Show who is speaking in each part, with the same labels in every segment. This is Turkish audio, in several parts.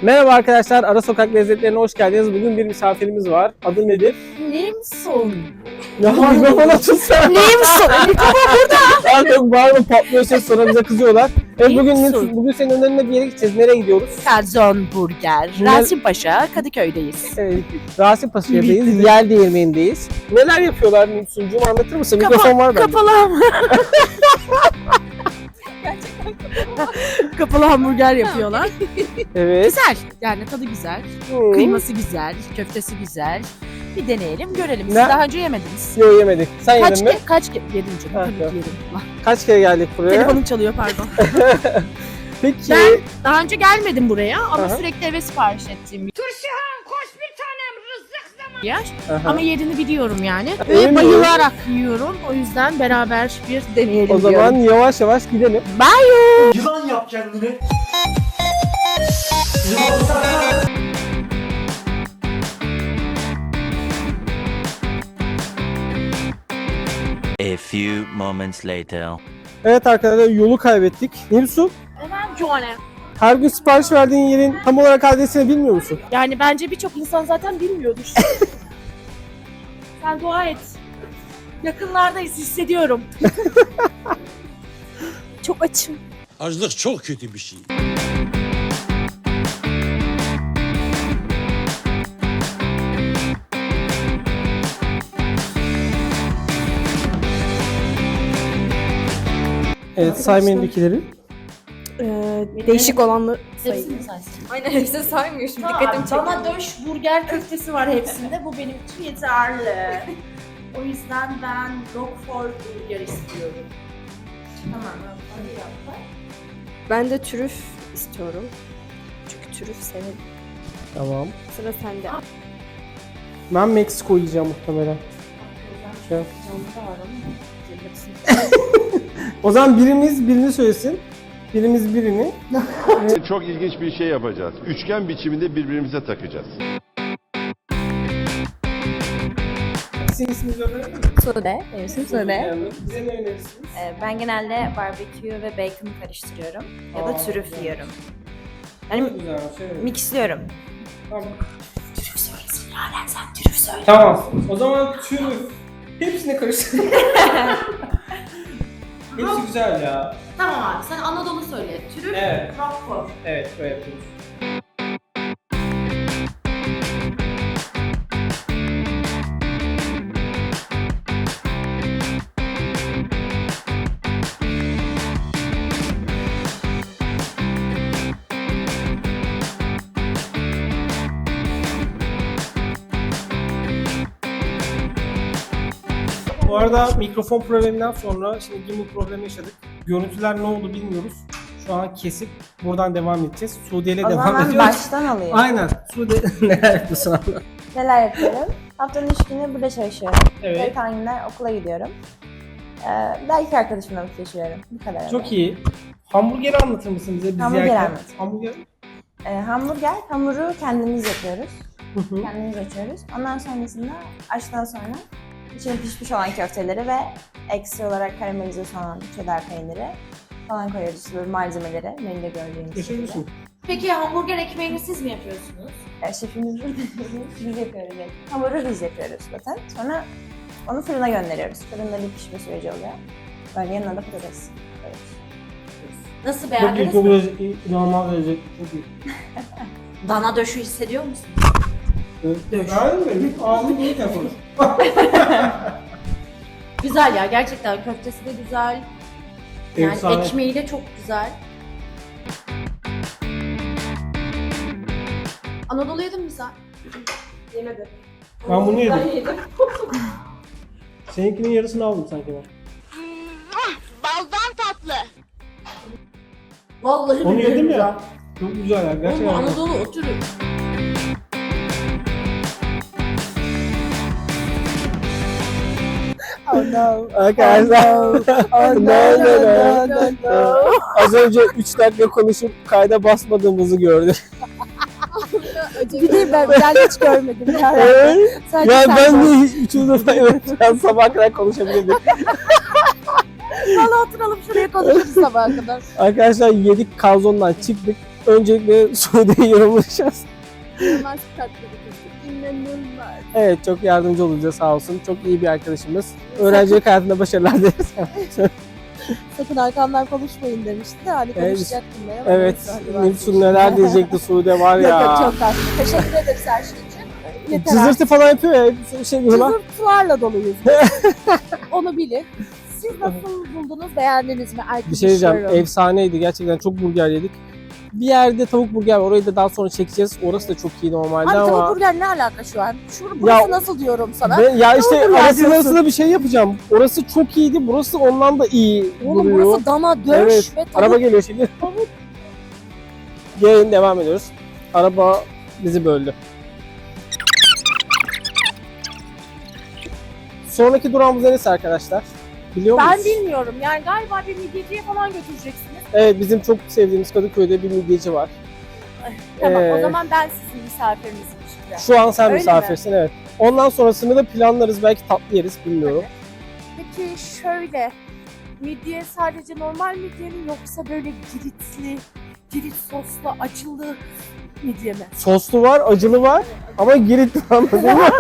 Speaker 1: Merhaba arkadaşlar, Ara Sokak Lezzetlerine hoş geldiniz. Bugün bir misafirimiz var. Adı nedir?
Speaker 2: Limson.
Speaker 1: Ya mikrofon açılsana.
Speaker 2: Limson. Mikrofon burada.
Speaker 1: Artık bağırma patlıyor ses sonra bize kızıyorlar. Evet bugün senin önlerine bir yere gideceğiz. Nereye gidiyoruz?
Speaker 2: Kazon Burger. Rasim Paşa, Kadıköy'deyiz.
Speaker 1: Evet, Rasim Paşa'dayız. Yer değirmenindeyiz. Neler yapıyorlar Nimsuncuğum, anlatır mısın? Mikrofon var bende.
Speaker 2: Kapalı Kapalı hamburger yapıyorlar.
Speaker 1: Evet.
Speaker 2: Güzel. Yani tadı güzel. Kıyması güzel. Köftesi güzel. Bir deneyelim, görelim. Siz
Speaker 1: Ne?
Speaker 2: daha önce yemediniz.
Speaker 1: Yok yemedik. Sen yedin mi?
Speaker 2: Yedim canım.
Speaker 1: Ha,
Speaker 2: Tabii ki
Speaker 1: yok.
Speaker 2: yedim.
Speaker 1: Kaç kere geldik buraya?
Speaker 2: Telefonum çalıyor, pardon.
Speaker 1: Peki.
Speaker 2: Ben daha önce gelmedim buraya ama
Speaker 1: Aha.
Speaker 2: sürekli eve sipariş ettiğim bir
Speaker 3: Turşuhan koş bir tanem rızık zamanı.
Speaker 2: yer.
Speaker 1: Aha.
Speaker 2: Ama yerini biliyorum yani.
Speaker 1: Öyle mi?
Speaker 2: Ve bayılarak yiyorum. O yüzden beraber bir deneyelim
Speaker 1: O zaman
Speaker 2: diyorum.
Speaker 1: yavaş yavaş gidelim.
Speaker 4: Yılan yap kendini.
Speaker 5: A few moments later.
Speaker 1: Evet arkadaşlar, yolu kaybettik. Nimsun,
Speaker 2: Hemen Joanne.
Speaker 1: her gün sipariş verdiğin yerin tam olarak adresini bilmiyor musun?
Speaker 2: Yani bence birçok insan zaten bilmiyordur. Sen dua et. Yakınlardayız, hissediyorum. Çok açım.
Speaker 6: Açlık çok kötü bir şey.
Speaker 1: Evet, say menüdekileri.
Speaker 7: Değişik olanları sayayım.
Speaker 2: Hepsini saysın.
Speaker 7: Aynen hepsini saymıyor şimdi dikkatim çekiyor.
Speaker 2: Dana döş burger köftesi var hepsinde. Bu benim için yeterli. O yüzden ben Roquefort burger istiyorum. Tamam. Hadi yap.
Speaker 7: Ben de trüf istiyorum. Çünkü trüf senin.
Speaker 1: Tamam.
Speaker 7: Sıra sende.
Speaker 1: Ben Meksiko yiyeceğim muhtemelen. Şey. O zaman birimiz birini söylesin. Birimiz birini.
Speaker 8: Çok ilginç bir şey yapacağız. Üçgen biçiminde birbirimize takacağız.
Speaker 1: Sizin isminizi öğrenebilir miyim?
Speaker 9: Sude, benim ismim Sude.
Speaker 1: Bize ne önerirsiniz?
Speaker 9: Ben genelde barbekü ve bacon karıştırıyorum ya da
Speaker 1: Aa,
Speaker 9: trüf
Speaker 1: güzel.
Speaker 9: yiyorum. Yani
Speaker 1: Güzel, evet.
Speaker 9: mixliyorum.
Speaker 1: Tamam.
Speaker 2: Trüf söylesin Yaren, sen trüf söyle.
Speaker 1: Tamam. O zaman tüm hepsini karıştır. Hepsi güzel ya.
Speaker 2: Tamam abi, sen Anadolu söyle. Trüf,
Speaker 1: Evet.
Speaker 2: Roquefort.
Speaker 1: Evet, böyle yapıyoruz. Bu arada mikrofon probleminden sonra şimdi gimbal problemi yaşadık. Görüntüler ne oldu bilmiyoruz. Şu an kesip buradan devam edeceğiz. Sude ile
Speaker 9: O
Speaker 1: devam
Speaker 9: zaman ben
Speaker 1: ediyoruz.
Speaker 9: baştan alayım.
Speaker 1: Aynen. Sude neler yapıyorsun abla?
Speaker 9: Neler yapıyorum? Haftanın 3 günü burada çalışıyorum.
Speaker 1: Evet.
Speaker 9: Geri kalan günler okula gidiyorum. Belki arkadaşımla vakit geçiriyorum. Bu kadar.
Speaker 1: Çok iyi. Hamburgeri anlatır mısın bize? Biz
Speaker 9: Hamburger
Speaker 1: yerken?
Speaker 9: anlat.
Speaker 1: Hamburger.
Speaker 9: Hamuru kendimiz yapıyoruz.
Speaker 1: Hı hı.
Speaker 9: Kendimiz açıyoruz. Ondan sonrasında açtıktan sonra içine pişmiş olan köfteleri ve ekstra olarak karamelize olan cheddar peyniri falan koyuyoruz. İşte böyle malzemeleri menüde gördüğünüz
Speaker 1: Yaşıyor
Speaker 9: gibi.
Speaker 1: musun?
Speaker 2: Peki hamburger ekmeğini siz mi yapıyorsunuz?
Speaker 9: Şefimiz burada. Biz yapıyoruz. Yani. Hamuru biz yapıyoruz zaten. Sonra onu fırına gönderiyoruz. Fırında bir pişme süreci oluyor. Böyle yanına da patates. Evet.
Speaker 2: Nasıl
Speaker 1: Çok iyi,
Speaker 2: beğendiniz
Speaker 1: çok
Speaker 2: mi?
Speaker 1: lezzetli, inanılmaz lezzetli, çok iyi.
Speaker 2: Dana döşü hissediyor musun?
Speaker 1: Ben mi? Ağzım iyi konuş.
Speaker 2: Güzel ya, gerçekten köftesi de güzel. Yani
Speaker 1: Efsane.
Speaker 2: ekmeği de çok güzel. Anadolu yedin mi sen?
Speaker 7: Yemedim.
Speaker 1: Ben bunu yedim. Seninkinin yarısını aldım sanki ben.
Speaker 2: Vallahi
Speaker 1: Onu
Speaker 2: billahi
Speaker 1: yedim
Speaker 2: güzel.
Speaker 1: ya. Çok güzel ya,
Speaker 2: Oğlum
Speaker 1: gerçekten.
Speaker 2: bu Anadolu oturuyor.
Speaker 1: Arkadaşlar. Az önce 3 dakika konuşup kayda basmadığımızı gördüm.
Speaker 7: Bir de ben hiç görmedim.
Speaker 1: Evet.
Speaker 7: Sadece
Speaker 1: Ya
Speaker 7: sen
Speaker 1: ben
Speaker 7: var.
Speaker 1: de üçüncü defa evet, ben sabah kadar konuşabilirdim.
Speaker 7: Valla oturalım şuraya konuşuruz sabaha kadar.
Speaker 1: Arkadaşlar yedik, kalzondan çıktık. Öncelikle Suudi'yi yorumlayacağız.
Speaker 7: İnanılmaz tatlı bir kız. İnanılmaz.
Speaker 1: Evet, çok yardımcı olacağız sağ olsun. Çok iyi bir arkadaşımız. Öğrencilik hayatında başarılar dileriz.
Speaker 2: Sakın arkamdan konuşmayın demişti de hani
Speaker 1: Evet.
Speaker 2: konuşacaktım ben ama
Speaker 1: Evet,
Speaker 2: neyse, hadi
Speaker 1: Nilsun neler diyecekti Suudi var
Speaker 2: Yok yok
Speaker 1: ya.
Speaker 2: çok tatlı. Teşekkür ederiz her şey için. Yeter
Speaker 1: Cızırtı falan yapıyor ya. Bir şey diyorlar.
Speaker 2: Cızırtılarla doluyuz. Onu bilin. Siz nasıl buldunuz? Beğendiniz mi?
Speaker 1: Bir şey diyeceğim.
Speaker 2: Arkadaşlarım.
Speaker 1: Efsaneydi. Gerçekten çok burger yedik. Bir yerde tavuk burger var. Orayı da daha sonra çekeceğiz. Orası da çok iyi normalde
Speaker 2: Abi
Speaker 1: ama.
Speaker 2: tavuk burger ne alaka şu an? Burası
Speaker 1: Ya-
Speaker 2: nasıl diyorum sana?
Speaker 1: Ya işte
Speaker 2: Tavuk burger
Speaker 1: arasında
Speaker 2: diyorsun.
Speaker 1: arasında bir şey yapacağım. Orası çok iyiydi. Burası ondan da iyi
Speaker 2: Oğlum
Speaker 1: duruyor.
Speaker 2: burası dana, döş
Speaker 1: Evet,
Speaker 2: ve tavuk.
Speaker 1: Araba geliyor şimdi. Yayın devam ediyoruz. Araba bizi böldü. Sonraki durağımız neresi arkadaşlar? Biliyor musunuz?
Speaker 2: Ben bilmiyorum. Yani galiba bir midyeciye falan götüreceksiniz.
Speaker 1: Evet, bizim çok sevdiğimiz Kadıköy'de bir midyeci var.
Speaker 2: Tamam
Speaker 1: Ee,
Speaker 2: o zaman ben sizin misafirinizim işte.
Speaker 1: Şu an sen
Speaker 2: Öyle
Speaker 1: misafirsin, evet. Ondan sonrasını da planlarız. Belki tatlı yeriz, bilmiyorum.
Speaker 2: Peki şöyle, midye sadece normal midye mi yoksa böyle girit soslu, acılı midye mi?
Speaker 1: Soslu var, acılı var ama girit var, anladın mı?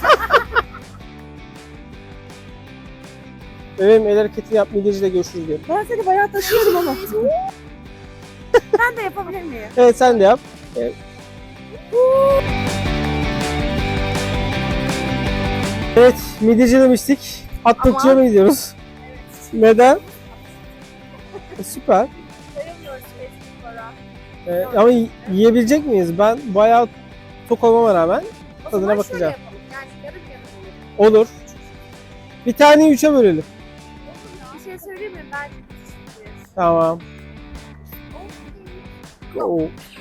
Speaker 1: Benim el hareketini yap, midyeciyle görüşürüz diyelim.
Speaker 2: Ben seni bayağı taşıyorum ama. Ben de yapabilir miyim?
Speaker 1: Evet, sen de yap. Evet. Evet, midyeci demiştik. Atlıkçıya
Speaker 2: Ama-
Speaker 1: mı gidiyoruz? Neden? Süper.
Speaker 2: Sayamıyoruz Facebook'lara.
Speaker 1: Ama yiyebilecek miyiz? Ben bayağı tok olmama rağmen
Speaker 2: O
Speaker 1: tadına
Speaker 2: zaman
Speaker 1: bakacağım.
Speaker 2: şöyle yapalım. Yani yarım yarım olur.
Speaker 1: Olur. Bir taneyi 3'e bölelim.
Speaker 2: Bir şey söyleyeyim mi? Bence küçük.
Speaker 1: Tamam. Go.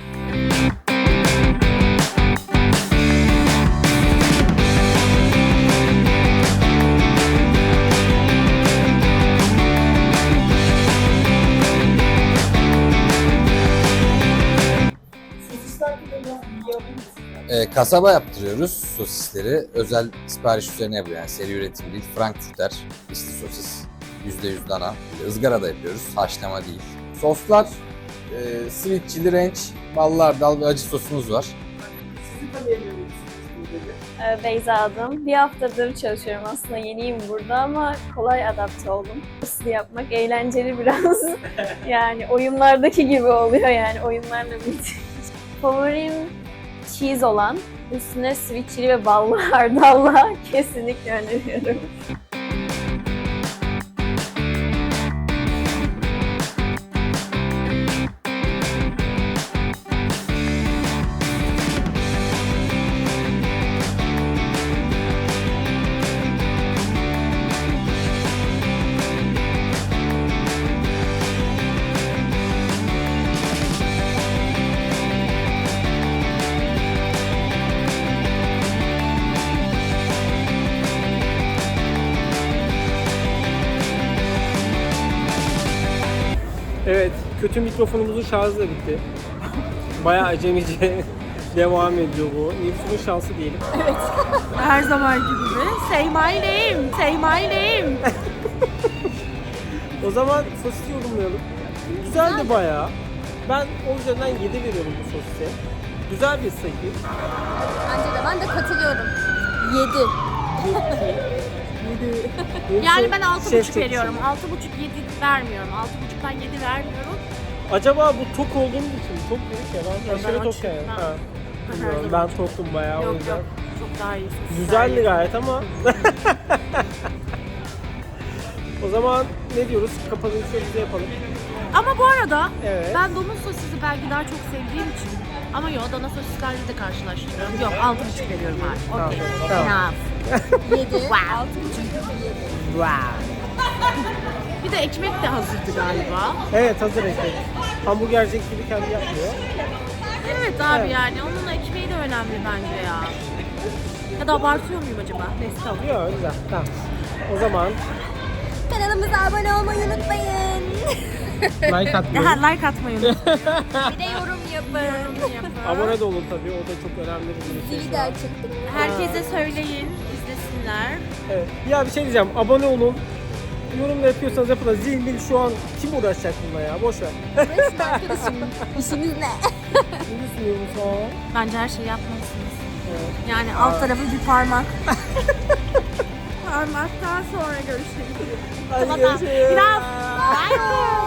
Speaker 10: Kasaba yaptırıyoruz sosisleri. Özel sipariş üzerine yapıyor. Yani seri üretim değil. Frankfurter içli sosis. %100 dana. Izgara da yapıyoruz. Haşlama değil. Soslar sweet chili ranch, ballı hardal ve acı sosumuz var.
Speaker 7: Beyza adım. Bir haftadır çalışıyorum aslında, yeniyim burada ama kolay adapte oldum. Soslu yapmak eğlenceli biraz. Yani oyunlardaki gibi oluyor, yani oyunlarla birlikte. Favorim cheese olan, üstüne sweet chili ve ballı hardalla kesinlikle öneriyorum.
Speaker 1: Evet, kötü mikrofonumuzun şarjı da bitti. Bayağı acemice devam ediyor bu. Nilsun'un şansı diyelim.
Speaker 2: Her zaman gibi. Say my name. Say my name.
Speaker 1: O zaman sosisi yorumlayalım. Güzeldi bayağı. Ben o üzerinden 7 veriyorum bu sosise. Güzel bir sayı.
Speaker 7: Bence de, ben de katılıyorum. 7.
Speaker 2: Yani ben
Speaker 1: Şef
Speaker 2: 6,5 veriyorum. 6,5-7 vermiyorum. 6,5'tan 7 vermiyorum.
Speaker 1: Acaba bu tok olduğumuz için çok dedik ya, ben
Speaker 2: Yok,
Speaker 1: aşırı
Speaker 2: ben
Speaker 1: tok
Speaker 2: açım.
Speaker 1: yani.
Speaker 2: Ben-
Speaker 1: Ha.
Speaker 2: Ben
Speaker 1: Bilmiyorum,
Speaker 2: her
Speaker 1: ben
Speaker 2: zaman
Speaker 1: toktum bayağı o
Speaker 2: Yok
Speaker 1: yüzden.
Speaker 2: yok. Çok daha iyi.
Speaker 1: Güzeldi gayet ama. O zaman ne diyoruz? Kapanışımızı yapalım.
Speaker 2: Ama bu arada
Speaker 1: Evet.
Speaker 2: ben domuz sosisi belki daha çok sevdiğim için. Ama yok, dana sosislerle de karşılaştırıyorum. Yok, 6,5 veriyorum abi.
Speaker 1: Tamam,
Speaker 2: Okey.
Speaker 1: tamam.
Speaker 2: Enough.
Speaker 7: 7. 6,5.
Speaker 1: Wow.
Speaker 2: Bir de ekmek de hazırdı galiba.
Speaker 1: Evet, hazır ekmek. Hamburgercik gibi kendi yapmıyor.
Speaker 2: Evet abi,
Speaker 1: Evet.
Speaker 2: yani onun ekmeği de önemli bence ya. Ya da abartıyor muyum acaba? Neyse tamam.
Speaker 1: Yok, güzel. Tamam. O zaman
Speaker 7: Kanalımıza abone olmayı unutmayın.
Speaker 1: like atmayı.
Speaker 2: Like atmayı unutmayın.
Speaker 7: Bir de yorum yapın.
Speaker 1: Abone de olun tabii. O da çok önemli bir şey.
Speaker 7: Zili de açın.
Speaker 2: Herkese söyleyin, izlesinler.
Speaker 1: Evet. Ya bir şey diyeceğim. Abone olun. yorum da yapıyorsanız yapın da zil şu an kim uğraşacak bununla ya? Boş ver.
Speaker 9: Arkadaşım işimiz ne?
Speaker 1: Ne düşünüyorsun?
Speaker 2: Bence her şeyi yapmalısınız.
Speaker 1: Evet.
Speaker 2: Yani alt tarafı bir parmak. Parmaktan sonra görüşürüz.
Speaker 1: Hadi görüşürüz.
Speaker 2: Bye.